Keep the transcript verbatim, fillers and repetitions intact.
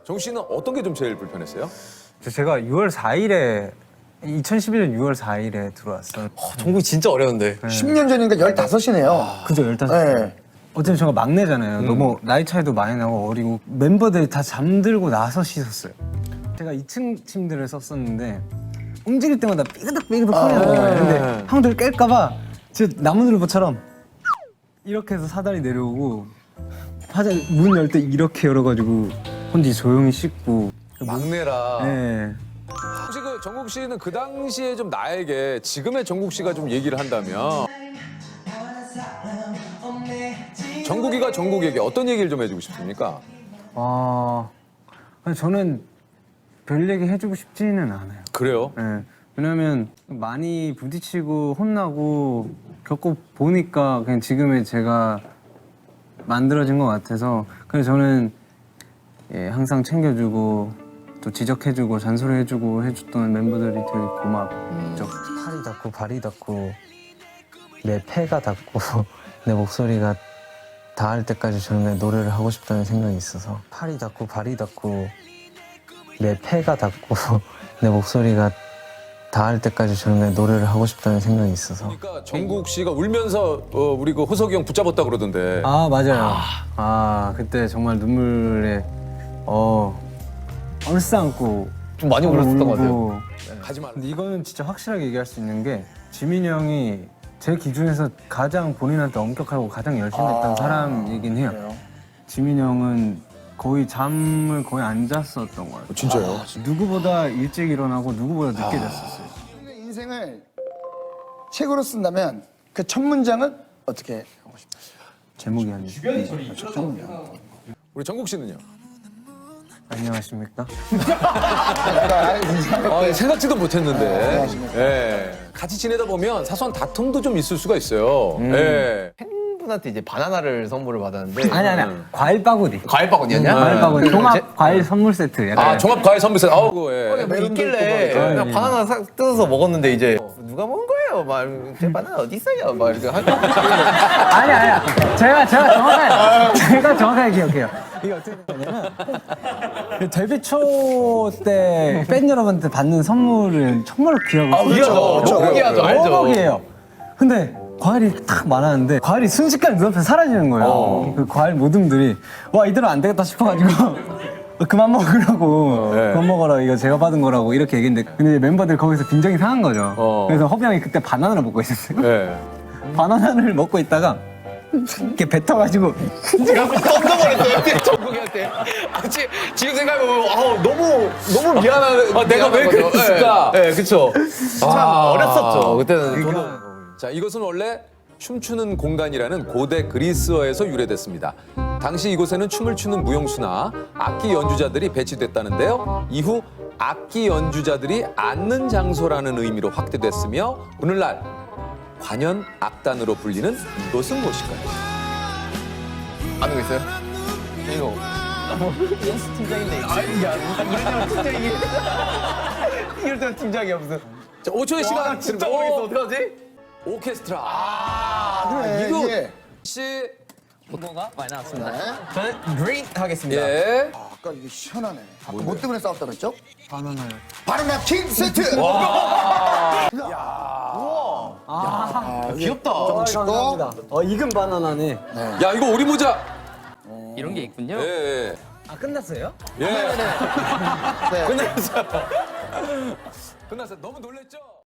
정국 씨는 어떤 게 좀 제일 불편했어요? 제가 유월 사일에 이천십일 년 유월 사일에 들어왔어요. 어, 정국이 진짜 어려운데. 십 년 전이니까 열다섯이네요. 그죠, 열다섯. 네. 어쨌든 제가 막내잖아요. 너무 나이 차이도 많이 나고 어리고 멤버들이 다 잠들고 나서 씻었어요. 제가 이 층 침대를 썼었는데 움직일 때마다 삐그덕삐그덕 소리가 나는 거예요. 근데 형들 깰까봐 진짜 나무늘보처럼 이렇게 해서 사다리 내려오고 화장 문 열 때 이렇게 열어가지고 혼자 조용히 씻고. 막내라. 네. 혹시 그 정국 씨는 그 당시에 좀 나에게 지금의 정국 씨가 좀 얘기를 한다면 정국이가 정국에게 어떤 얘기를 좀 해주고 싶습니까? 아, 아니, 저는 별 얘기 해주고 싶지는 않아요. 그래요? 네. 왜냐면 많이 부딪히고 혼나고 겪고 보니까 그냥 지금의 제가 만들어진 것 같아서 그래서 저는 예, 항상 챙겨주고 또 지적해주고 잔소리해주고 해줬던 멤버들이 되게 고맙죠. 팔이 닿고 발이 닿고 내 폐가 닿고 내 목소리가 닿을 때까지 저는 그냥 노래를 하고 싶다는 생각이 있어서 팔이 닿고 발이 닿고 내 폐가 닿고 내 목소리가 닿을 때까지 저는 그냥 노래를 하고 싶다는 생각이 있어서. 그러니까 정국 씨가 울면서 어, 우리 그 호석이 형 붙잡았다 그러던데. 아 맞아요. 아 그때 정말 눈물에 어 얼싸안고 좀 많이 울었었던 것 같아요. 울고. 가지 말라. 근데 이거는 진짜 확실하게 얘기할 수 있는 게 지민이 형이 제 기준에서 가장 본인한테 엄격하고 가장 열심히 했던 아, 사람이긴 해요. 그래요? 지민이 형은 거의 잠을 거의 안 잤었던 것 같아요. 진짜요? 누구보다 일찍 일어나고 누구보다 늦게 잤었어요. 인생을 책으로 쓴다면 그 첫 문장은 어떻게 하고 싶어요? 제목이 아니죠. 첫 문장. 우리 정국 씨는요? 안녕하십니까? 아, 생각지도 네, 못했는데. 예. 같이 지내다 보면 사소한 다툼도 좀 있을 수가 있어요. 예. 팬분한테 이제 바나나를 선물을 받았는데. 아니 아니 과일 바구니. 과일 바구니였냐? 과일 바구니. 종합 제- 과일 선물 세트. 약간. 아, 종합 과일 선물 세트. 아우, 그거, 예. 뭐 있길래 있고 막. 그냥 아, 바나나 사, 뜯어서 먹었는데 이제 어, 누가 먹은 거예요? 막 제 바나나 어디 있어요? 막 이렇게 하고 아니 아니야. 제가 제가 정확하게 제가 정확하게 기억해요. 이게 어떻게 되냐면 그 데뷔 초 때 팬 여러분한테 받는 선물을 정말로 귀하고 귀하죠. 그렇죠. 너무 귀하죠. 알죠. 너무 귀해요. 근데 과일이 딱 많았는데 과일이 순식간에 눈앞에 사라지는 거예요. 어. 그 과일 모듬들이 와 이대로 안 되겠다 싶어가지고 그만 먹으라고 네. 그만 먹어라 이거 제가 받은 거라고 이렇게 얘기했는데 근데 멤버들 거기서 빈정이 상한 거죠. 어. 그래서 허비 형이 그때 바나나를 먹고 있었어요. 예. 바나나를 먹고 있다가 이렇게 뱉어가지고 던져버렸어요. 정국이한테. 아, 지, 지금 생각해보면 아우, 너무 너무 미안한. 아, 내가 왜 미안한 거죠. 그랬을까? 네, 네, 그쵸. 참 어렸었죠. 그때는 저도. 자, 이것은 원래 춤추는 공간이라는 고대 그리스어에서 유래됐습니다. 당시 이곳에는 춤을 추는 무용수나 악기 연주자들이 배치됐다는데요. 이후 악기 연주자들이 앉는 장소라는 의미로 확대됐으며 오늘날 관현 악단으로 불리는 이곳은 무엇일까요? 아는 거 있어요? 이거. 연수 팀장인데. 아, 야, 이럴 때만 팀장이. 이럴 때만 팀장이야, 무슨. 자, 오 초의 시간 와, 진짜 드립니다. 모르겠어. 어떡하지? 오케스트라. 아, 네, 이거 예. 씨. 뭐가 많이 나왔습니다. 저는 그린 하겠습니다. 예. 아, 아까 이게 시원하네. 아까 뭐 때문에 싸웠다 그랬죠? 바나나요. 바나나 킹 세트! 아, 귀엽다. 감사합니다. 어 익은 바나나네. 야, 이거 오리 모자. 이런 게 있군요. 예. 예. 아 끝났어요? 예. 네. 끝났어요. 끝났어요. 너무 놀랬죠?